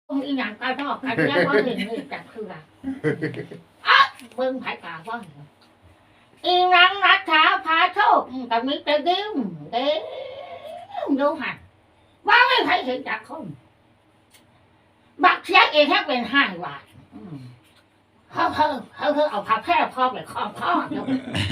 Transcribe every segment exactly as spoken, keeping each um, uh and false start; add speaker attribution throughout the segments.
Speaker 1: อีหยังก็ชอบกันแล้วว่าเห็นเลยจักคืออะอ่ะเบิ่งไผกาว่าอีนังนัทธาพาโชคกับมิตรดิมเด้ดูหันว่าไม่ใครเห็นจักคนบักเสียเองแค่เป็นห้าบาทเขาเขาเขาเขาเอาผ้าแพร่พอกไปคล้องคอเนาะ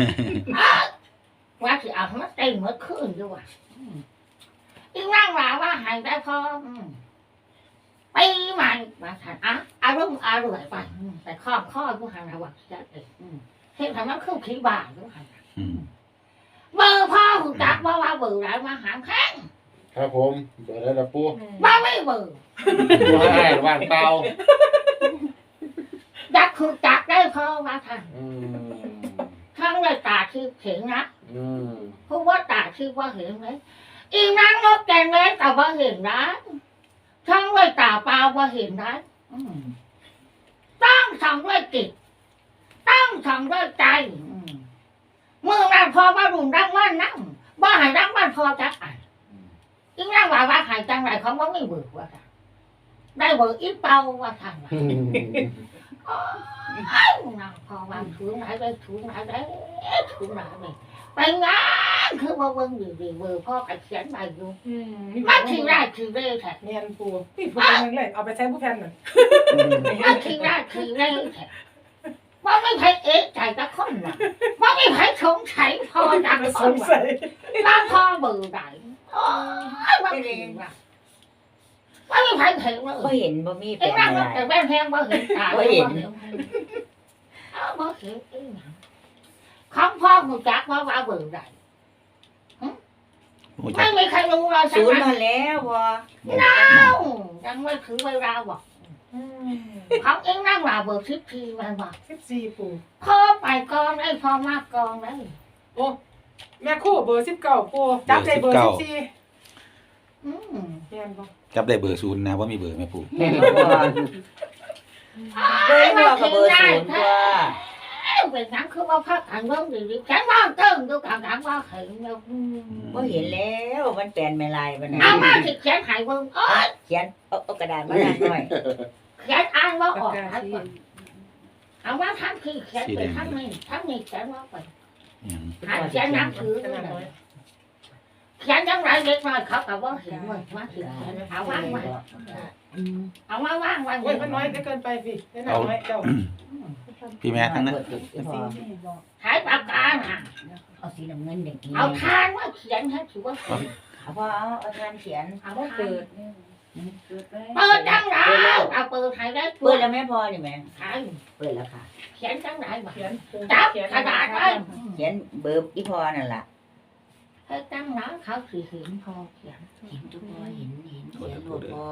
Speaker 1: ว่าคือเอามาเต็มเมื่อคืนด้วยอีนั่งว่าว่าหายได้พอปีใหม่มาถามอ่ะอารมณ์อร่อยไปแต่ข้อข้อผู้หันระวังจะเองเห็นทำนั้นคือขี้บ่าผู้หันเบอร์พ่อหูจักว่าว่าเบอร์ไรมาหางแข้ง
Speaker 2: ครับผมเปิดได้ละปู
Speaker 1: บ้าไม่เบอร์
Speaker 2: ปูให้ว่างเปล่า
Speaker 1: จักคือจักได้พอมาทัน
Speaker 2: อืม
Speaker 1: ทั้งเลยตาคือเห็นนะ
Speaker 2: อืม
Speaker 1: เพราะว่าตาคือว่าเห็นไหมอีนั่งนกแกงเล็กแต่ว่าเห็นนะทั้งเลยตาเปล่าว่าเห็นนะตั้งทำด้วยจิตตั้งทำด้วยใจเมื่อนั้นพอมารุนรังวันนั่งว่าหายรังวันพอจักอ่านอีนั่งว่าว่าหายจังไรเขาว่าไม่เบื่อว่าได้เบื่ออีเปล่าว่าทางนั่งพอวางถุงไหนได้ถุงไหนได้ถุงไหนได้ไปงานคือว่าเบิ่งอยู่ดีเบอร์พ่อกับเขียนใบอยู่มาทีได้ทีเร่แท้
Speaker 3: เนียนปูพี่ปูนึงเลยเอาไปใช้ผู้แทนหน่อย
Speaker 1: มาทีได้ทีเร่แท้ว่าไม่ใช่เอ๊ะใจตะคนหรอกว่าไม่ใช่สงสัยพอจังค
Speaker 3: ส
Speaker 1: น
Speaker 3: งสัย
Speaker 1: ว่าพ่อเบื่อไหนโอ้ยว่าเห็นว่ะว่าไม่ใช่เห็นว่า
Speaker 4: บ่เห็นบ่มี
Speaker 1: ไอ้
Speaker 4: เป็น
Speaker 1: นั่ง
Speaker 4: อะไร
Speaker 1: แต่แม่แพงว่าเห็นตา
Speaker 4: บ่เห็น
Speaker 1: เอาบ่เห็นไอ้หนังของพ่อหูจักว่าว่าเบื่อไหน
Speaker 5: หูจั
Speaker 1: ไม่
Speaker 5: ก
Speaker 1: มีใครรู้เราใช่
Speaker 4: ศู
Speaker 1: ไห
Speaker 4: น
Speaker 1: ม
Speaker 4: ย์มาแล้วบ่
Speaker 1: เอ้ายังไม่ถึงเวลาบอกของเองนั่งว่าเบอร์สิบทีมันบอก
Speaker 3: สิบสี่ปู
Speaker 1: พ่อไปก่อนไอ้พ่อมากก่อนเลย
Speaker 3: โอ้แม่คู่เบอร์สิบเก้าปูจับใจเบอร์สิบสี่
Speaker 1: อืม
Speaker 3: เนียนบ่
Speaker 5: จับได้เบอร์ศูนย์นะว่ามีเบอร์ไหมปู่
Speaker 4: แม่นบ่เบอร์เดียวกับเบอร์ศูนย์ตัว
Speaker 1: เป็นนังคือว่าพักกันเรื่องดีๆฉันว่าเติ้งดูกันกันว่าเห็นแล้ว
Speaker 4: บ่เห็นแล้วมันแปลนไม่ลายมัน
Speaker 1: เอามาสิเขียนหายเบิ่งเอ้ย
Speaker 4: เขียนเอาเอากระดาษมาหน่อย
Speaker 1: เขียนอ่านว่าออกทั้งหมดเอาว่าทั้งคือเขียนไปทั้งนี้ทั้งนี้เขียนว่าไป
Speaker 5: อย่าง
Speaker 1: หาเขียนหนังสือเลยเขียนจังไรเล็กน้อยเขาก็ว่าเห็นว่าว่าเขียนเอาว่างไว้เอามาว่างไว้
Speaker 3: โอ้ยมันน้อยเกินไปพี่แน่นอนน้อยเจ้า
Speaker 5: พี่แม่ทั้งนั้น
Speaker 1: หายปากกาน่ะ
Speaker 4: เอาสีน้ำเงินอย่างนี้
Speaker 1: เอาทานว่าเขียนให้ถือว่า
Speaker 4: เอาพอเอาเอาทานเขียน
Speaker 1: เอาว่าเปิด
Speaker 4: เปิด
Speaker 1: เปิดจังไรเอาเปิดให้ได้
Speaker 4: เปิดแล้วแม่พอนี่แม่
Speaker 1: ใช่
Speaker 4: เปิดแล้วค่ะ
Speaker 1: เขียนจังไรบ่
Speaker 3: เขียน
Speaker 1: จับกระดาษไว้
Speaker 4: เขียนเบอร์อีพอนั่นล่ะ
Speaker 1: ให้ตั้งน้ำเขาถือเห็นพอเขียน
Speaker 4: เห็นทุกพอเห็นเห็นเขียนหมดพอ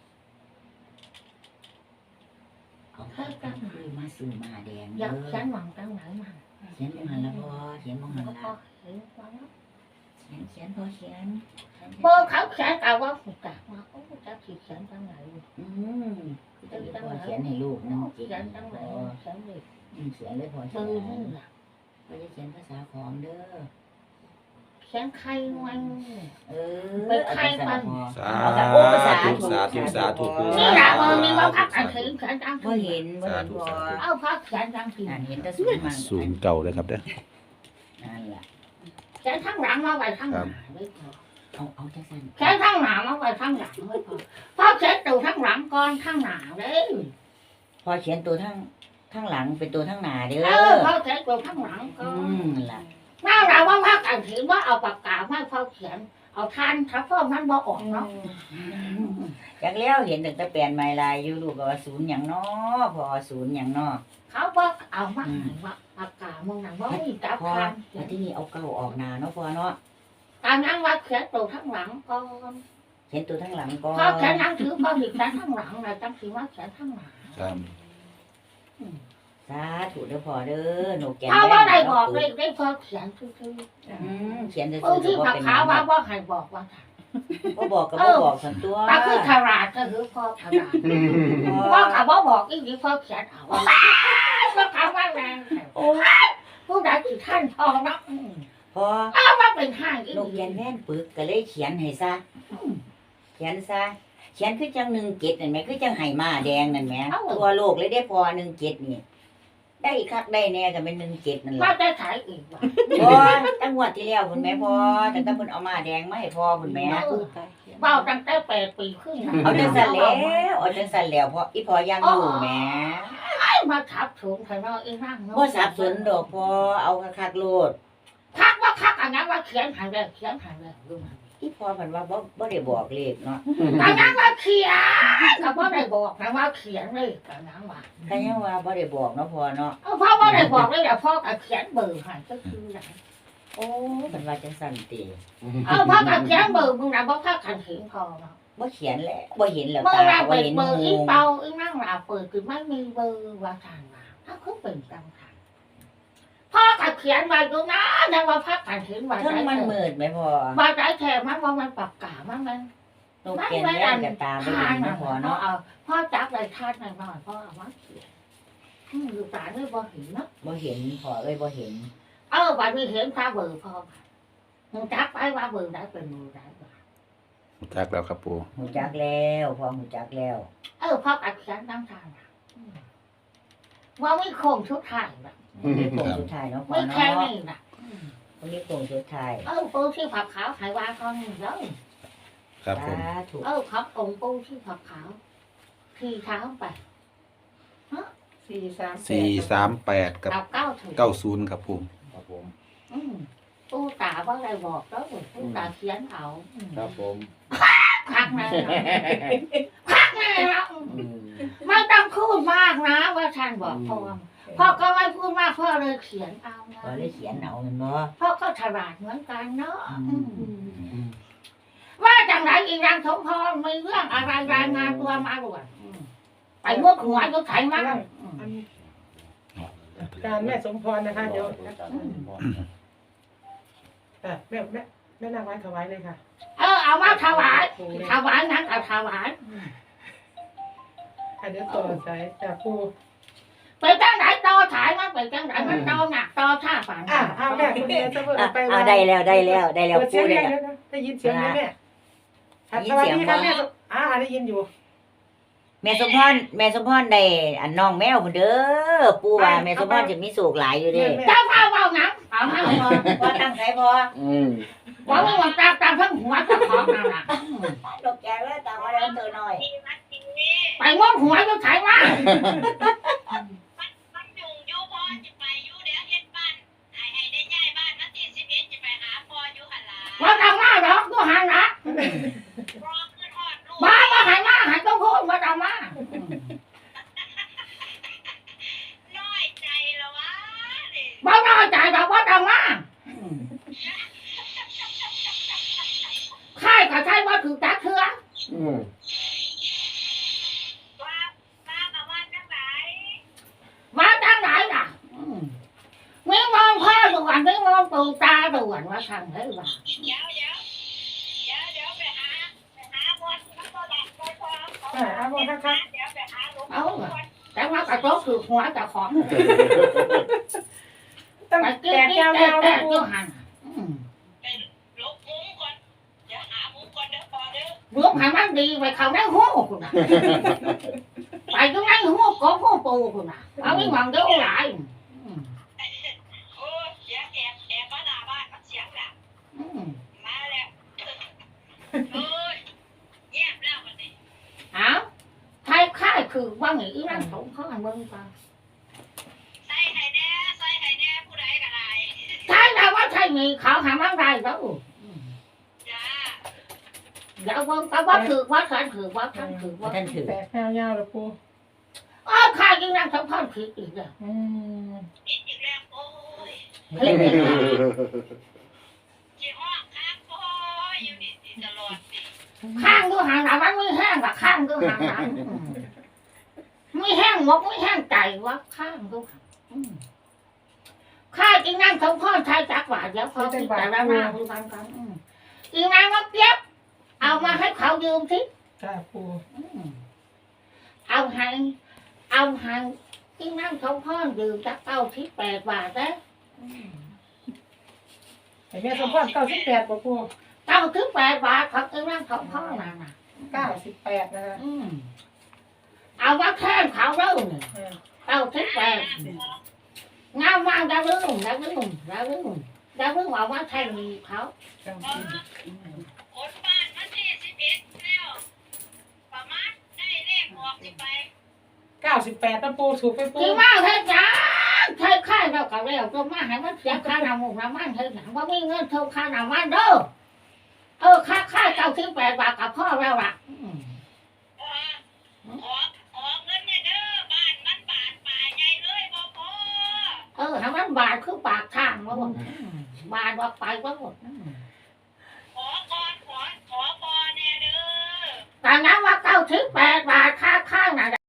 Speaker 4: เอาข้าวตั้งเลยมาซื้อมาแดง
Speaker 1: อยาก
Speaker 4: เด้
Speaker 1: เขีย
Speaker 4: อน
Speaker 1: หวังตั้งไหนมา
Speaker 4: เขียนมองหันละพอเขียนมองหัน
Speaker 1: เขา
Speaker 4: ละ
Speaker 1: พอเห็นว่า
Speaker 4: เขียนเขียนพอเขียน
Speaker 1: เบอร์เขาเขียนแต่ว่าหูจักว่าโอ้จะถือเขียนจังไหน
Speaker 4: อืมคือจะพอเขียนให้ลูกนะ
Speaker 1: เขียนจังไหนเขียนเลย
Speaker 4: เขียนเลยพอเขี
Speaker 1: มื
Speaker 4: ย
Speaker 1: อน นี่แหละ
Speaker 4: พอจะเขียนภาษาขอมเด้อ
Speaker 1: เขียนใครมัน
Speaker 4: เออเอาภาษาพอ
Speaker 5: สาธุสาธุสาธุปู่
Speaker 1: นี่แหละมือนี่ว่าพักกันเห็นเขียนจัง
Speaker 4: บ่เห็นบ่เห็นพอ
Speaker 1: เอาพักเขียนจังสิ
Speaker 4: อ่านเห็นแต่สูงมัน
Speaker 5: ศูนย์เก่าเลยครับเด้อ
Speaker 4: นั่นล่ะ
Speaker 1: เขียนทั้งหลังมาไว้ทั้งหน้าไม่พอ
Speaker 4: เอาเอาจังซั่น
Speaker 1: เขียนทั้งหน้ามาไว้ทั้งหลังไม่พอพอเขียนตัวทั้งหลังก่อนทั้งหน้าเลย
Speaker 4: พอเขียนตัวทั้งทั้งหลังเป็นตัวทั้งหน้าเด้
Speaker 1: เอ
Speaker 4: อ
Speaker 1: อพอเขียนตัวทั้งหลังก่
Speaker 4: อื
Speaker 1: อน
Speaker 4: มนั่นล่ะ
Speaker 1: น่าเราว่าพักกันเห็นว่าเอาปากกาไม่พอเขียนเอาทานถ้าพ่อมันบ่ออกเนาะ
Speaker 4: จากแล้วเห็นตั้งแต่แปลนไม้ลายอยู่ลูกก็ว่าศูนย์หยังน้อพอศูนย์หยังน้อ
Speaker 1: เขาบอกเอามาให้ว่าปากกามึงนั่งว่ามีจับ
Speaker 4: พอ
Speaker 1: ทาน
Speaker 4: แล้วที่นี่เอาเก้าออกหน้าเนาะพอเนาะ
Speaker 1: การนั่งว่าเขียนตัวทั้งหลังก่อน
Speaker 4: เขียนตัวทั้งหลังก่อ
Speaker 1: พอน เขียนหนังถือพอหยิบเขียนทั้งหลังเลยจังสีว่าเขียนทั้งหลัง
Speaker 5: ครับ
Speaker 4: สาธุเด้อพอเด้อหนูแก่
Speaker 1: เขาว่าได้บอกเลยได้พอเขียนคือคือ
Speaker 4: อืมเขียนแต่
Speaker 1: เอ
Speaker 4: ซื่
Speaker 1: อ
Speaker 4: อ
Speaker 1: ที่
Speaker 4: ๆบ่
Speaker 1: ผัก
Speaker 4: เป็นห
Speaker 1: ขา
Speaker 4: ยัง
Speaker 1: ว่าว่าให้บอกว่า
Speaker 4: บ่บอกก็บ่บอกสันตัว
Speaker 1: ปลาคือฉลาดก็คือพ่อฉลาด
Speaker 4: พอ
Speaker 1: พ่อกับว่าบอกอีกทีพ่อเขียนเอาว่าก็ถามว่าแรงโอ้ผู้ใดคือท่านพ่อเนาะ
Speaker 4: พอ
Speaker 1: อ้าวว่าเป็นห้างอีก
Speaker 4: นกแกนแว่นปึกก็เลยเขียนให้ซะเขียนซะเขียนคือจังหนึ่งเจ็ดนั่นแหมคือจังไหมาแดงนั่นแหมตัวโลกเลยได้พอหนึ่งเจ็ดนี่ได้คักได้แน่ก็เป็นหนึ่งเจ็ดนั่นแห
Speaker 1: ว่า
Speaker 4: ละ
Speaker 1: ได้ขายอีกว่ะ
Speaker 4: พอตั้งงวดที่แล้วคุณแม่พอแต่ถ้าเพิ่นเอามาแดงมาให้พอคุณแม่
Speaker 1: เบาตั้งแต่แปดปีขึ้นนะ
Speaker 4: เอาจังสั่นแล้วเอาจังสั่นแล้วเพราะอีพอยังอยู่แหม
Speaker 1: ไอ้มาทับถุงไทยนออีนั่งเนาะ
Speaker 4: บ่สับสนดอกพอเอาคักๆโลด
Speaker 1: คักว่าคักอันนั้นว่าเขียนหันเลยเขียนหันเลยดูมัน
Speaker 4: อีพอเพิ่นว่าบ่บ่ได้บอกเลขเนาะ
Speaker 1: อันนั้นว่าเขียนกับว่าได้บอกนะว่าเขียนเลยอันนั้นว่า
Speaker 4: ก็ยังว่าบ่ได้บอกเนาะพอเนาะ
Speaker 1: เอาพ่อว่าได้บอกเลยเดี๋ยวพ่อกับเขียนเบอร์ให้ก็คืออย่าง
Speaker 4: โอ้เพิ่นว่าจังสั่นติ
Speaker 1: เอาพ่อกับเขียนเบอร์มึงนะเพราะพ่อขันเห็นพอเนาะ
Speaker 4: บ่เขียนแหละบ่เห็นแล้ว
Speaker 1: เมื่อ
Speaker 4: ตา
Speaker 1: เรา
Speaker 4: ก็บ่
Speaker 1: เปิด
Speaker 4: เห็น
Speaker 1: เบอร์
Speaker 4: ห
Speaker 1: อี
Speaker 4: มู่
Speaker 1: เปาอีนั่งเราเปิดคือไม่มีเบอร์ว่าทางมาถ้าเขาเป็นกำคัญพ่อกับเขียนไว้ดูนะนะว่าพ่อขันเห็นไว้
Speaker 4: เทั้งมันมืดไหมพอ
Speaker 1: ว่าได้แค่มันว่ามันปรับกามันมัน
Speaker 4: นกแก้วแย่กับตาบ่เห็นนะพอเนาะ
Speaker 1: เอาพ่อจับเลยทาดหน่อยหน่อยพ่อเอามาเขียนอืมอยู่ตาด้วยบ่เห็นเนาะ
Speaker 4: บ่เห็นพอเอ้ยบ่เห็น
Speaker 1: เออวันนี้เห็นข้าเบอร์พ่อมึงจับไปว่าเบอร์ได้เป็นมือได้บ่
Speaker 5: จักแล้วครับปู
Speaker 4: หูจักแล้วพอหูจักแล้ว
Speaker 1: เออพ่ออัดเขียนตั้งทางน่ะอืมว่าไม่คงชุดไทยนะ
Speaker 4: นี่โค้งสุดท้ายเนาะพอ
Speaker 1: ไม่แค่
Speaker 4: เนาะ
Speaker 1: นี้นะอืม
Speaker 4: วันนี้โค้งสุดท้าย
Speaker 1: เออปูที่ผักขาวไขว่าเขาหนึ่งเลย
Speaker 5: ครับผม
Speaker 4: สาธุ
Speaker 1: เออครับองค์ปูที่ผักขาวที่เท้าไป
Speaker 3: สี่สาม
Speaker 5: สี่สามแปดกับ
Speaker 1: กับเก้าถึง
Speaker 5: เก้าศูนย์ครับปู
Speaker 2: ครับผม
Speaker 1: อืมปูตาว่าอะไรบอกแล้วปูตาเขียนเอาอืม
Speaker 2: ครับผม
Speaker 1: พักแน่นะพักแน่นะ
Speaker 2: อืม
Speaker 1: ไม่ต้องพูดมากนะว่าท่านบอกพ่อพ่อก็ไม่พูดมากพ่อเลยเขียนเอานะ
Speaker 4: พอเลยเขียนเอาแมันบ่
Speaker 1: พ่อก็ฉลาดเหมือนกันเนาะ
Speaker 4: อืม
Speaker 1: อืมว่าจังไรอีรังสมพรมีเรื่องอะไรรายงานตัวมาด่วนอืมไปมุดหัวก็ไถมาอืม
Speaker 3: อันการแม่สมพรนะคะเดี๋ยวเออแม่แม่แม่นางไว้ถวายเลยค่ะ
Speaker 1: เออเอามาถวายถวายนั้นเอาถวายอืม
Speaker 3: อ่ะเดี๋ยวต่อสายจากครู
Speaker 1: ไปจังไหนต่อถ่ายมันไปจังไหนมันต่อหนักต่อท่าฝัน
Speaker 3: อ่ะอ่ะแม่คุณเดียจะเปิด
Speaker 4: อ่ะ
Speaker 3: ไป
Speaker 4: อ่ะได้แล้วได้แล้วได้แล้ว
Speaker 3: เปิดเสี
Speaker 4: พู
Speaker 3: ยง
Speaker 4: ดได้
Speaker 3: ได้
Speaker 4: แล้ว
Speaker 3: นะได้ยินเสียงไหมแม่อ่ะ
Speaker 4: ได้ยิ
Speaker 3: ส
Speaker 4: น
Speaker 3: วัส
Speaker 4: เสียง
Speaker 3: ดีค่ะ
Speaker 4: บ่
Speaker 3: แม่สมอ่าได้ยินอยู่
Speaker 4: แม่สมพรแม่สมพรได้อันน้องแมวพุ่นเด้อปู่ว่าแม่สมพรจะมีโศกหลายอยู่เด้
Speaker 1: เจ้าพ่อเบาหนังเอาให้พอ
Speaker 4: ว่าตั้งใจพอ
Speaker 2: อืม
Speaker 1: ว่าไม่ว่าตามตามทั้งหัวเจ้าของนั่นแหละอืม
Speaker 4: ดอกแก้วตามมาแล้วตัวน้อย
Speaker 1: ไปมุดหัวก็ไถมา
Speaker 6: มันอยู่อยู่พอจะไปอยู่เดี๋ยวเฮ็ดบ้านให้ให้ได้ย้ายบ้านวันที่สิบเอ็ดจะไปหาพ่ออยู่หั่นล่ะ
Speaker 1: ว่าทำมาหรอกก็หันละ
Speaker 6: รอขึ้นฮอดลูก
Speaker 1: มามาหันมาหันต้องพูดมาทำมา
Speaker 6: น้อยใจละวะนี่
Speaker 1: บ่น้อยใจแบบว่าทำมาใช่ก็ใช่ว่าถือตักเถื่อ
Speaker 2: อืม
Speaker 6: ว่าป้ามาว่าจังไหน
Speaker 1: มาจังไหนล่ะอืมไม่มองพ่อด่วนไม่มองตูตาด่วนว่าทำได้ว่า
Speaker 6: เดี๋ยวเดี๋ยวเดี๋ยวเดี๋ยวไปหาไปหาบนแล้วก็ดักไปพอเขา
Speaker 3: อ่ะอ่ะบนค่ะ
Speaker 6: เดี๋ยวไปหาหลวง
Speaker 1: เอา
Speaker 6: พ่อ
Speaker 1: ล่ะแต่ว่ากระโจกคือหัวเจะของ
Speaker 3: ตั้ง
Speaker 1: ไป
Speaker 3: แต่
Speaker 1: กินกิน
Speaker 3: ยาว
Speaker 1: แต่
Speaker 3: ยาว
Speaker 1: แต่
Speaker 3: ครู
Speaker 1: ก็หันอืม
Speaker 6: เป็นลูกมุ้งก่อนเดี๋ยวหามุ้งก่อนเด้อพอเด้อ
Speaker 1: รวมหันมันดีไปเขาได้หัวคุณน่ะไปตรงนั้นหัวกบหัวปูคุณน่ะเอาไม่มองเดี๋ยวหลายอืม
Speaker 6: โอ้เสียงแอบแอบมาหน้าบ้านมันเสียงดัง
Speaker 1: อืม
Speaker 6: มาแล้วเอ้ยเงียบแล้ววันนี้
Speaker 1: เอาใครค่ายคือว่าอย่างนี้นั่นผมเขาอันเบิ้งไป
Speaker 6: ใส่ไข่แน่ใส่ไข่แน่ผู้ใดก็ได้
Speaker 1: ใช่แล้วว่าใช่ไงเขาหามันได้แล้วอืม
Speaker 6: จ้า
Speaker 1: เดี๋ยวเบิ้งก็ว่าถือว่าฉันถือว่าท่านถือว่า
Speaker 4: ท่านถือ
Speaker 3: แตกยาวยาวเลยครู
Speaker 1: อ๋อค่ายยิ่งนั่งสำคัญผิดอีกเลย
Speaker 3: อืม
Speaker 6: อีกอีกแล้วโอ้ย
Speaker 1: ผิดอีกแล้ว
Speaker 6: จีห้องค้างโอ้ยอยู่นี่สิตลอดสิ
Speaker 1: ข้างดูหางหลังมันไม่แห้งกับข้างดูหางหลังอืมไม่แห้งหมกไม่แห้งใจว่าข้างดูหางอืมค่ายยิ่งนั่งสำคัญชายจักว่าเดี๋ยวเขาติดแต่ละหน้าดูกันกันอืมอีนางมาเก็บเอามาให้เขายืมสิ
Speaker 3: จ้าครู
Speaker 1: อืมเอาให้เอาให้ที่นั่งเขาพ่อดื่มจักเก้าที่แปดบาทนะอืม
Speaker 3: ให้แม่สมพรเก้าสิบแปดบ่ครู
Speaker 1: เก้าที่แปดบาทเขาที่นั่งเขาพ่อน่ะนะอืม
Speaker 3: เก้าสิบแปดนะคะ
Speaker 1: อืมเอาว่าแค่เขาเริ่ม
Speaker 3: เออ
Speaker 1: เอาสิบแปดงามมากดาวรุ่งดาวรุ่งดาวรุ่งดาวรุ่งเอาว่าแค่มีเขา
Speaker 3: จัง
Speaker 6: เออขนบ้านมาที่สิบเอ็ดแล้วประมาณได้เลขออกสิไป
Speaker 3: เก้าสิบแปดนะปูถูกไปปู
Speaker 1: คือมาเฮ็ดหยังใช้ค่าเราก็แล้วตัวมาให้มันเสียค่าน้ำมันน้ำมันเฮ็ดหยังว่ามีเงินเท่าค่าน้ำมันเด้อเออค่าค่าเก้าสิบแปดบาทกับพ่อแล้วล่ะอืม
Speaker 6: ขอขอขอเงินเนี่ยเด้อบ้านมันบาดป่าใหญ่เลยบ่พอ
Speaker 1: เออให้มันบาทคือปากทางว่าหมดอืมบาทว่าไปว่าหมดอืม